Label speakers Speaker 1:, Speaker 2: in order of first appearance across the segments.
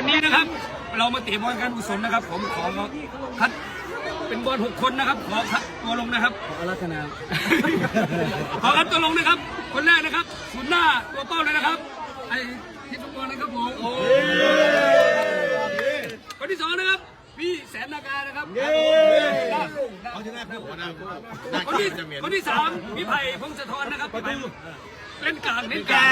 Speaker 1: วันนี้นะครับเรามาเตะบอลการกุศลนะครับผมขอคัดเป็นบอล6 คนนะครับขอคัดตัวลงนะครับขอรัตนาขอคัดตัวลงนะครับคนแรกนะครับศูนย์หน้าตัวเป้าเลยนะครับไอ้ที่ฟุตบอลนะครับผมคนที่2นะครับพี่แสนนาการนะครับคนที่3พี่ไผ่พงศธรนะครับเล่นกลาง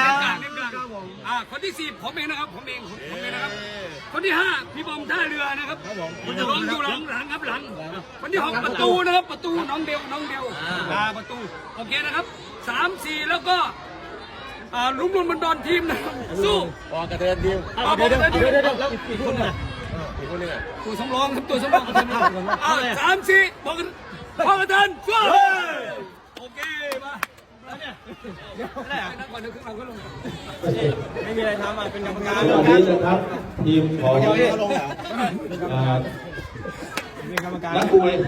Speaker 1: คนที่4ผมเองนะครับผมเองนะครับคนที่5พี่บอมท่าเรือนะครับลงอยู่หลังครับหลังคนที่6ประตูนะครับประตูน้องเบลประตูโอเคนะครับ3 4แล้วก็ลุ้มบนทีมนะครับสู้
Speaker 2: กระเทือนทีมเดี๋ยวอีกคนน่ะ
Speaker 1: ตัวสำรองครับตัวสำรอง3 4พอกระเทือนสู้โอเคมา
Speaker 2: ไม่มีอะไรทำเป็นกรรมการ
Speaker 3: นะครับทีมของนักมวย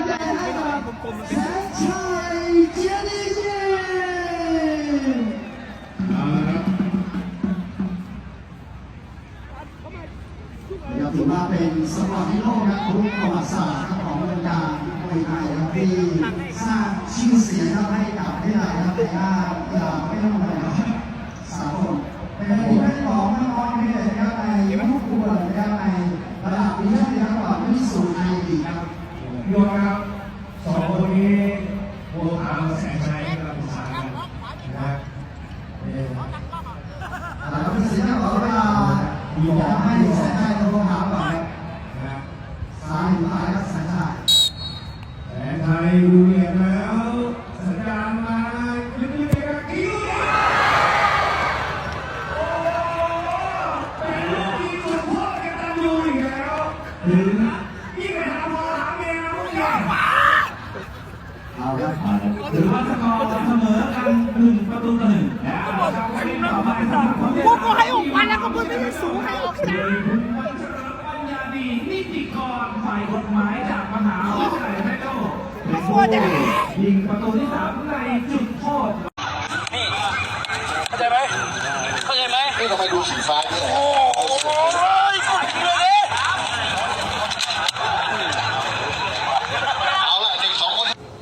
Speaker 4: ถือว่าเป็นสปอร์ตฮีโร่ครับทุกประวัติศาสตร์ของวงการมวยไทยที่สร้างชื่อเสียงให้กับที่ไหนครับในด้านกีฬาไม่ต้องอะไรครับสากลเป็นผู้เล่นของนักบอลที่เด่นครับในทุกคนนะครับในระดับนี้นะครับก่อนที่สู่ไทยลีกครับ
Speaker 5: โยนครับ2 คนนี้บัวขาวแสงชัยกำลังสานกันนะครับ
Speaker 4: แล้วก็สิ่งที่บอกว่าอยากให้แสงชัยตัวขาวก่อนครับซ้ายหรือขวาครับแสงชัย
Speaker 5: แสงชัยดูเหยียบแล้วสัญญาณมาลึกๆครับกิ้วโอ้แต่ลูกยิงสุดโคตรกันตันยูอีกแล้วถึงยิ่งไปหาพ่อหาแม่
Speaker 4: เอาครับ
Speaker 5: ถือว่าสกอร์เสมอกัน1-1แล้ว
Speaker 6: พวกก็ให้ออกมาแล้วก็พูดไม่ได้สูงให้ออกนะ
Speaker 5: ปัญญาดีนิติกรฝ่ายกฎหมายจากมหาวิทยาลัยแม่โจ้ยิงประตูที่3ในจุดโทษ
Speaker 1: นี่เข้าใจไหม
Speaker 3: นี่ทำไมดูสีฟ้าเนี่ย
Speaker 1: โอ้ยกดเลย
Speaker 3: เอาละเด็ก2 คน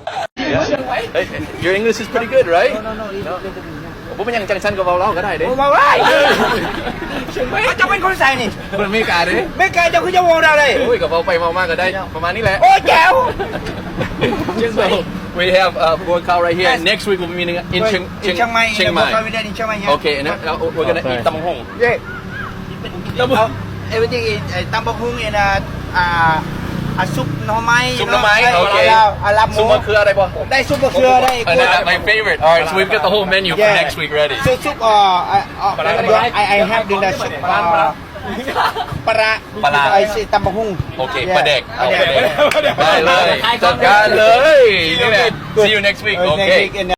Speaker 2: Your English is pretty good, right?ผมเป็นยังจังชันกับเราก็ได้เด้
Speaker 6: มาไล่เขาจะเป็นคนใส่นี่
Speaker 2: คนไม่กล้าเด้
Speaker 6: ไม่กล้าจะขึ้นจะวงเราเลย
Speaker 2: โอ้ยกับเราไปมากก็ได้ประมาณนี้แหละ
Speaker 6: โอ้แจ๋ว
Speaker 2: So we have Buon Khao right here. Next week we'll be meeting in Chiang Mai. Okay, and we're gonna eat Tam Hong.
Speaker 6: Yeah. Everything is Tam Hong andซุปหน่อไม้
Speaker 2: ซุปหน่อไม้โอเคซุปมะเขืออะไรป่ะ
Speaker 6: ได้ซุปมะเขือได้
Speaker 2: My favorite. Alright, so we've got the whole menu for next week ready.
Speaker 6: So soup I have the soup ปลาไอ้ตำบักหุ่ง
Speaker 2: โอเคปลาเด็กได้เลยจัดการเลยนี่แหละ See you next week. Okay.